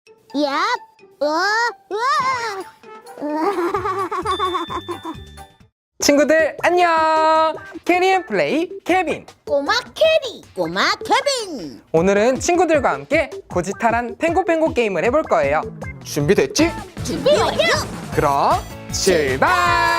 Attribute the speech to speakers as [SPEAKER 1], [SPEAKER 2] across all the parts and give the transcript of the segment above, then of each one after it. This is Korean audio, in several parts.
[SPEAKER 1] 얍!
[SPEAKER 2] 친구들 안녕! 캐리앤플레이 케빈!
[SPEAKER 1] 꼬마 캐리, 꼬마 케빈.
[SPEAKER 2] 오늘은 친구들과 함께 고지탈한 탱고팽고 게임을 해볼 거예요. 준비됐지?
[SPEAKER 1] 준비 완료.
[SPEAKER 2] 그럼 출발!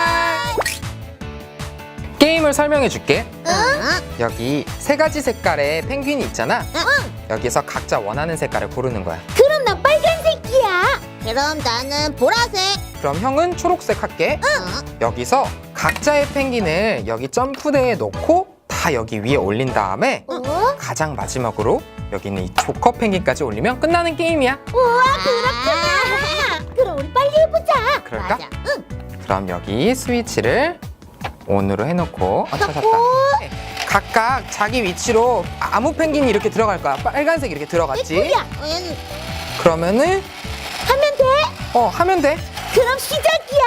[SPEAKER 2] 게임을 설명해 줄게. 여기 세 가지 색깔의 펭귄이 있잖아. 여기서 각자 원하는 색깔을 고르는 거야.
[SPEAKER 1] 그럼 나 빨간색이야. 그럼 나는 보라색.
[SPEAKER 2] 그럼 형은 초록색 할게. 여기서 각자의 펭귄을 여기 점프대에 놓고 다 여기 위에 올린 다음에 가장 마지막으로 여기 있는 이 조커 펭귄까지 올리면 끝나는 게임이야.
[SPEAKER 1] 우와, 그렇구나. 그럼 우리 빨리 해보자.
[SPEAKER 2] 그럴까?
[SPEAKER 1] 맞아.
[SPEAKER 2] 그럼 여기 스위치를 ON으로 해놓고 찾았다. 각각 자기 위치로 아무 펭귄이 이렇게 들어갈 거야. 빨간색 이렇게 들어갔지?
[SPEAKER 1] 야,
[SPEAKER 2] 그러면은
[SPEAKER 1] 하면 돼?
[SPEAKER 2] 하면 돼.
[SPEAKER 1] 그럼 시작이야.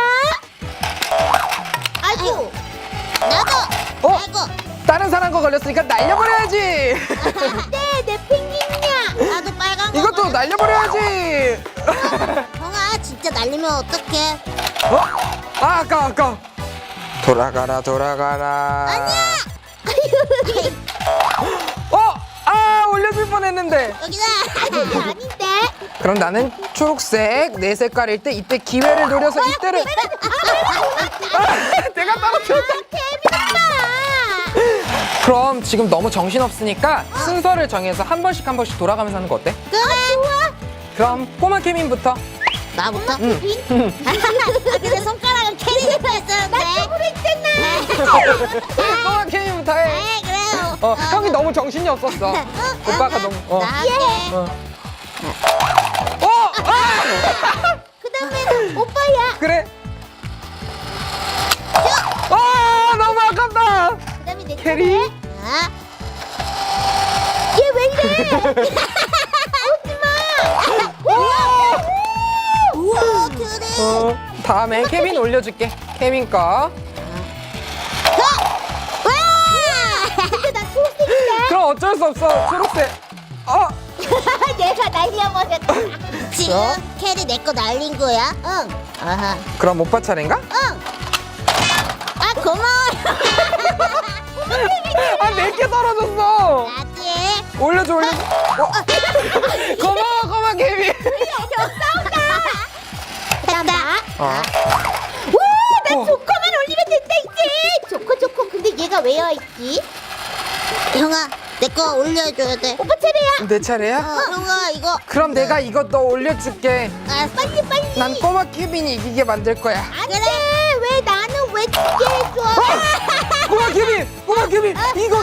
[SPEAKER 1] 아이고. 나도. 아이고.
[SPEAKER 2] 다른 사람 거 걸렸으니까 날려버려야지.
[SPEAKER 1] 네, 내 펭귄이야. 나도 빨간 거.
[SPEAKER 2] 이것도 날려버려야지.
[SPEAKER 1] 형아, 진짜 날리면 어떡해?
[SPEAKER 2] 아까. 돌아가라.
[SPEAKER 1] 아니야.
[SPEAKER 2] 올려줄 뻔했는데.
[SPEAKER 1] 여기다. 아닌데.
[SPEAKER 2] 그럼 나는 초록색 내 색깔일 때 이때 기회를 노려서 이때를. 내가 떨어졌다. 그럼 지금 너무 정신없으니까 순서를 정해서 한 번씩 돌아가면서 하는 거 어때?
[SPEAKER 1] 그래. 좋아.
[SPEAKER 2] 그럼 꼬마 케빈부터.
[SPEAKER 1] 나부터? 근데 손가락은 캐리가 했었는데. 나 쪽으로 했잖아.
[SPEAKER 2] 꼬마 케빈부터 해.
[SPEAKER 1] 네, 그래요.
[SPEAKER 2] 형이 너무 정신이 없었어. 오빠가 너무.
[SPEAKER 1] 나 할게. 그 다음에는 오빠야.
[SPEAKER 2] 그래. 너무 아깝다.
[SPEAKER 1] 그 다음에 내
[SPEAKER 2] 캐리.
[SPEAKER 1] 얘 왜 이래? 오지마. 우와, 캐리.
[SPEAKER 2] 다음에 케빈 올려줄게. 케빈 거.
[SPEAKER 1] 와! 근데 나 초록색인데?
[SPEAKER 2] 그럼 어쩔 수 없어. 초록색.
[SPEAKER 1] 내가 날려버렸다. 지금 캐리 내 거 날린 거야? 응. 아하.
[SPEAKER 2] 그럼 오빠 차례인가?
[SPEAKER 1] 응. 아, 고마워.
[SPEAKER 2] 내게 떨어졌어.
[SPEAKER 1] 나지.
[SPEAKER 2] 올려줘. 고마워, 케빈.
[SPEAKER 1] 됐다. 와, 나 조커만 올리면 된다 이제. 조커. 근데 얘가 왜 와있지? 형아, 내 거 올려줘야 돼. 오빠 차례야.
[SPEAKER 2] 내 차례야?
[SPEAKER 1] 형아, 이거.
[SPEAKER 2] 그럼 내가 이거 너 올려줄게.
[SPEAKER 1] 빨리.
[SPEAKER 2] 난 꼬마 케빈이 이기게 만들 거야.
[SPEAKER 1] 안 돼. 왜 나는 왜 지게 해줘?
[SPEAKER 2] 꼬마 케빈.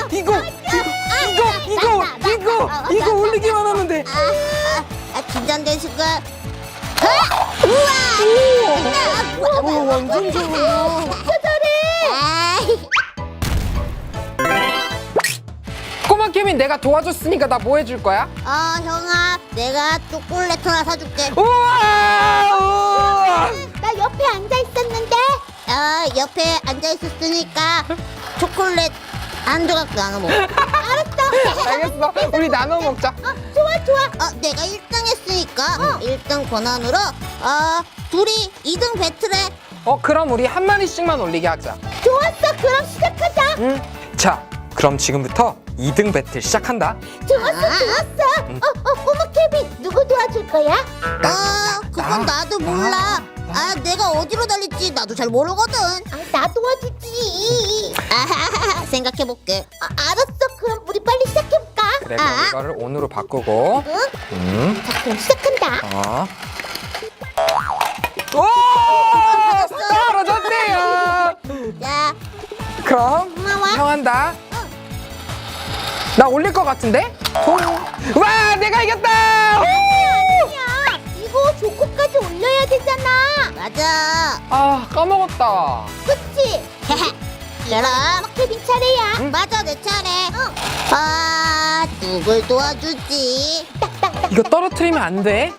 [SPEAKER 2] 이거 올리기만 하면 돼.
[SPEAKER 1] 긴장된 순간.
[SPEAKER 2] 우와, 완전 좋아. 꼬마 케빈 내가 도와줬으니까 나 뭐 해줄 거야?
[SPEAKER 1] 형아, 내가 초콜릿 하나 사줄게.
[SPEAKER 2] 우와!
[SPEAKER 1] 나 옆에 앉아 있었는데. 옆에 앉아 있었으니까 초콜릿 한 조각 나눠 먹어. 알았어.
[SPEAKER 2] 알겠어. 우리 나눠 먹자.
[SPEAKER 1] 좋아. 내가 1등 했으니까 1등 권한으로 둘이 2등 배틀해.
[SPEAKER 2] 그럼 우리 한 마리씩만 올리게 하자.
[SPEAKER 1] 좋았어. 그럼 시작하자.
[SPEAKER 2] 응? 자, 그럼 지금부터 2등 배틀 시작한다.
[SPEAKER 1] 좋았어. 꼬마 케빈, 누구 도와줄 거야? 그건 나도 몰라. 내가 어디로 달릴지 나도 잘 모르거든. 나 도와주지. 생각해볼게. 알았어. 그럼 우리 빨리 시작해볼까?
[SPEAKER 2] 그래, 그럼 이거를 ON으로 바꾸고.
[SPEAKER 1] 자, 그럼 시작한다.
[SPEAKER 2] 오! 떨어졌네요.
[SPEAKER 1] 자,
[SPEAKER 2] 그럼
[SPEAKER 1] 고마워.
[SPEAKER 2] 형 한다. 나 올릴 것 같은데? 와, 내가 이겼다!
[SPEAKER 1] 아니야. 이거 조커까지 올려야 되잖아. 맞아.
[SPEAKER 2] 까먹었다.
[SPEAKER 1] 그치? 그럼 케빈 차례야. 맞아, 내 차례. 누굴 도와주지?
[SPEAKER 2] 이거 떨어뜨리면 안 돼?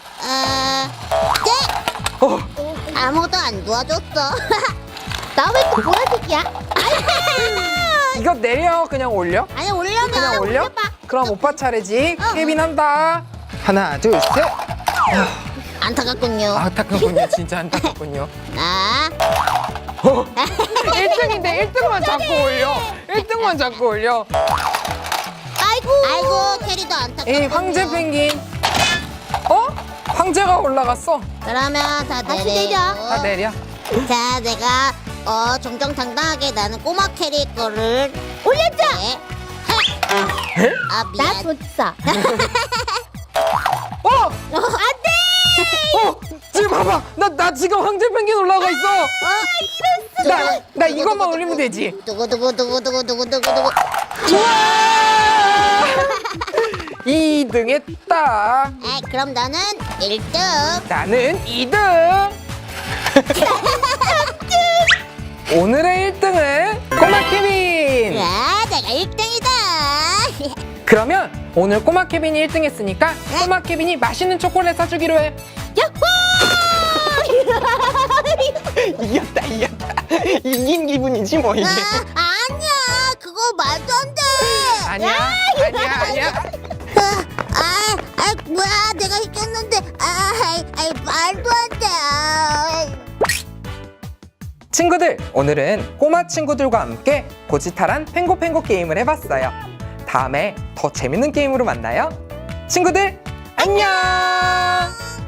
[SPEAKER 1] 아무도 안 도와줬어. 나 왜 또 보라색이야?
[SPEAKER 2] 이거 내려. 그냥 올려.
[SPEAKER 1] 아니, 올려봐.
[SPEAKER 2] 그냥 올려?
[SPEAKER 1] 올려봐.
[SPEAKER 2] 그럼 오빠 차례지. 케빈 한다. 하나, 둘, 셋.
[SPEAKER 1] 안타깝군요.
[SPEAKER 2] 안타깝군요. 진짜 안타깝군요.
[SPEAKER 1] 나
[SPEAKER 2] 1등인데 1등만 자꾸 올려. 1등만 자꾸 올려.
[SPEAKER 1] 아이고 캐리도 안타깝군요.
[SPEAKER 2] 이 황제 펭귄. 황제가 올라갔어.
[SPEAKER 1] 그러면 다
[SPEAKER 3] 다시
[SPEAKER 1] 내려.
[SPEAKER 2] 다 내려.
[SPEAKER 1] 자, 내가 정정당당하게 나는 꼬마 캐리 거를 올렸죠. 아
[SPEAKER 3] 나
[SPEAKER 1] 미안.
[SPEAKER 3] 줬어.
[SPEAKER 1] 안돼.
[SPEAKER 2] 지금 봐봐. 나 지금 황제 펭귄 올라가 있어. 나 이것만 올리면 되지.
[SPEAKER 1] 두구두구두구두구두구두구두구.
[SPEAKER 2] 2등 했다.
[SPEAKER 1] 아, 그럼 나는 1등.
[SPEAKER 2] 나는 2등. 오늘의 1등은 꼬마 케빈.
[SPEAKER 1] 야, 내가 1등이다.
[SPEAKER 2] 그러면 오늘 꼬마 케빈이 1등 했으니까 꼬마 케빈이 맛있는 초콜릿 사주기로 해. 이겼다. 이긴 기분이지 뭐 이게.
[SPEAKER 1] 아니야, 그거 말도 안 돼.
[SPEAKER 2] 아니야.
[SPEAKER 1] 뭐야, 내가 이겼는데, 말도 안 돼.
[SPEAKER 2] 친구들, 오늘은 꼬마 친구들과 함께 고지탈한 펭고펭고 게임을 해봤어요. 다음에 더 재밌는 게임으로 만나요. 친구들, 안녕!